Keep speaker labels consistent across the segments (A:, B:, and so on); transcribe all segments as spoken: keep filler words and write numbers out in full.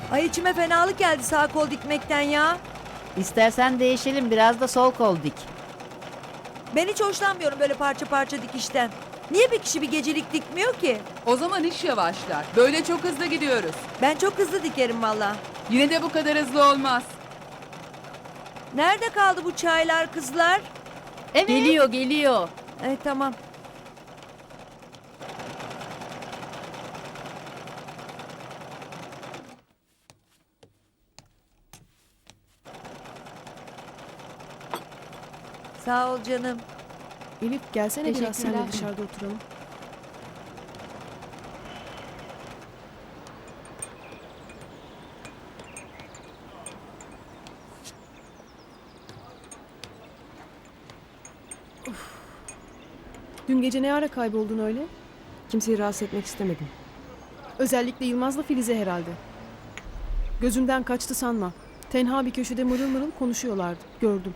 A: Ay içime fenalık geldi sağ kol dikmekten ya.
B: İstersen değişelim, biraz da sol kol dik.
A: Ben hiç hoşlanmıyorum böyle parça parça dikişten. Niye bir kişi bir gecelik dikmiyor ki?
C: O zaman iş yavaşlar. Böyle çok hızlı gidiyoruz.
A: Ben çok hızlı dikerim valla.
C: Yine de bu kadar hızlı olmaz.
A: Nerede kaldı bu çaylar kızlar?
B: Evet. Geliyor, geliyor.
A: Evet tamam. Sağ ol canım.
D: Elif gelsene biraz
B: Teşekkürler.
D: seninle dışarıda oturalım. Of. Dün gece ne ara kayboldun öyle?
E: Kimseyi rahatsız etmek istemedim.
D: Özellikle Yılmaz'la Filize herhalde. Gözümden kaçtı sanma. Tenha bir köşede mırıl mırıl konuşuyorlardı. Gördüm.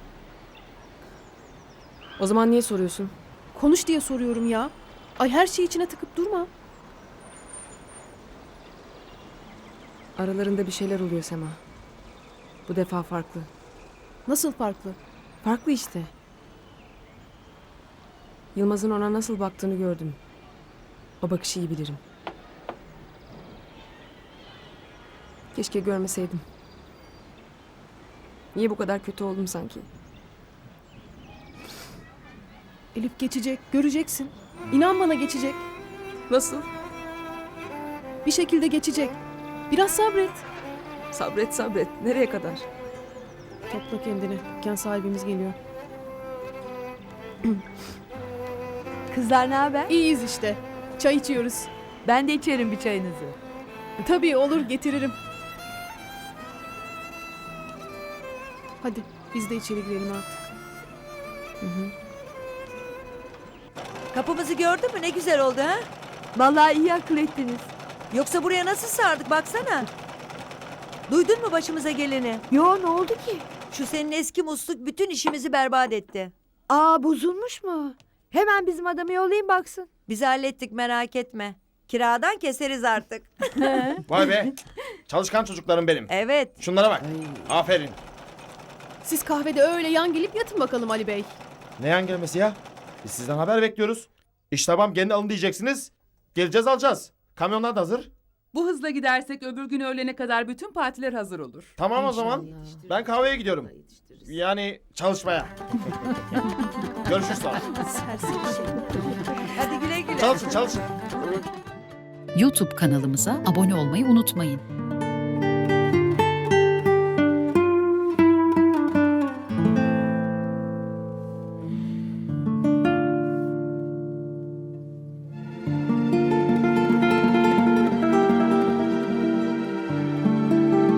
E: O zaman niye soruyorsun?
D: Konuş diye soruyorum ya. Ay her şeyi içine tıkıp durma.
E: Aralarında bir şeyler oluyor Sema. Bu defa farklı.
D: Nasıl farklı?
E: Farklı işte. Yılmaz'ın ona nasıl baktığını gördüm. O bakışı iyi bilirim. Keşke görmeseydim. Niye bu kadar kötü oldum sanki?
D: Elif geçecek, göreceksin. İnan bana geçecek.
E: Nasıl?
D: Bir şekilde geçecek. Biraz sabret.
E: Sabret sabret. Nereye kadar?
D: Topla kendini. Dükkan sahibimiz geliyor.
F: Kızlar ne haber?
D: İyiyiz işte. Çay içiyoruz.
F: Ben de içerim bir çayınızı.
D: Tabii olur, getiririm. Hadi biz de içeri girelim artık.
E: Hı hı.
A: Kapımızı gördün mü ne güzel oldu ha?
F: Vallahi iyi akıl ettiniz.
A: Yoksa buraya nasıl sardık baksana. Duydun mu başımıza geleni?
F: Yo ne oldu ki?
A: Şu senin eski musluk bütün işimizi berbat etti.
F: Aa bozulmuş mu? Hemen bizim adamı yollayayım baksın.
A: Biz hallettik merak etme. Kiradan keseriz artık.
G: Vay be. Çalışkan çocuklarım benim.
A: Evet.
G: Şunlara bak. Aferin.
D: Siz kahvede öyle yan gelip yatın bakalım Ali Bey.
G: Ne yan gelmesi ya? Biz sizden haber bekliyoruz. İş tamam kendi alın diyeceksiniz. Geleceğiz alacağız. Kamyonlar da hazır.
C: Bu hızla gidersek öbür gün öğlene kadar bütün partiler hazır olur.
G: Tamam o zaman. Ben kahveye gidiyorum. Yani çalışmaya. Görüşürüz sonra.
A: Hadi güle güle.
G: Çalışın çalışın.
H: YouTube kanalımıza abone olmayı unutmayın.